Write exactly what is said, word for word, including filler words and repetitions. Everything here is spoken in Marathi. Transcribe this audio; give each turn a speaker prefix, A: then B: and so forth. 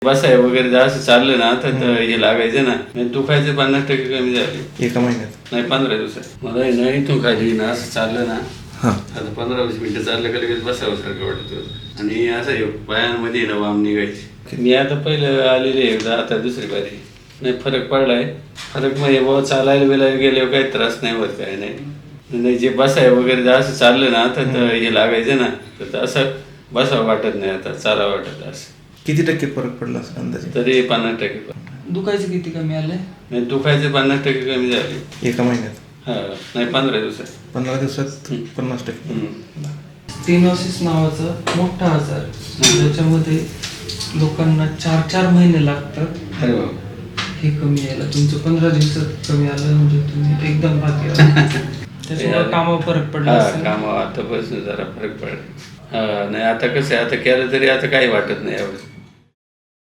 A: बसाय वगैरे जर असं चाललं ना तर हे लागायचं ना, दुखायचे पन्नास टक्के कमी झाले
B: एका महिन्यात
A: नाही पंधरा दिवसात. मला हे नाही इथून खाली ना असं चाललं ना,
B: हां
A: आता पंधरा वीस मिनिटं चाललं का लगेच बसावं वाटत होतं. आणि असं हे पायांमध्ये ना वाम निघायची. मी आता पहिलं आलेले एकदा, आता दुसरी बारी नाही फरक पडलाय. फरक म्हणजे बाबा चालायला बिलायला गेल्यावर काही त्रास नाही होत, काय नाही. नाही जे बसाय वगैरे जर असं चाललं ना तर हे लागायचं ना, तर असं बसावं वाटत नाही, आता चालावं वाटत. असं
B: किती टक्के फरक पडला असं अंदाजे?
A: तरी पन्नास टक्के.
C: दुखायचं किती कमी आलंय?
A: नाही दुखायचे पन्नास टक्के कमी झाले
B: एका महिन्यात.
A: हा नाही पंधरा दिवसात.
B: पंधरा दिवसात पन्नास टक्के.
C: स्टेनोसिस नावाचा मोठा आजार, ज्याच्यामध्ये लोकांना चार चार महिने लागतात
A: अरे बाबा,
C: हे कमी यायला. तुमचं पंधरा दिवसात कमी आलं म्हणजे तुम्ही एकदम भाग्यवान. त्याच्यामुळे कामावर फरक पडला
A: हा
C: असेल.
A: कामावर आतापासून जरा फरक पडला. हा नाही आता कसं आहे, आता केलं तरी आता काही वाटत नाही यावेळेस.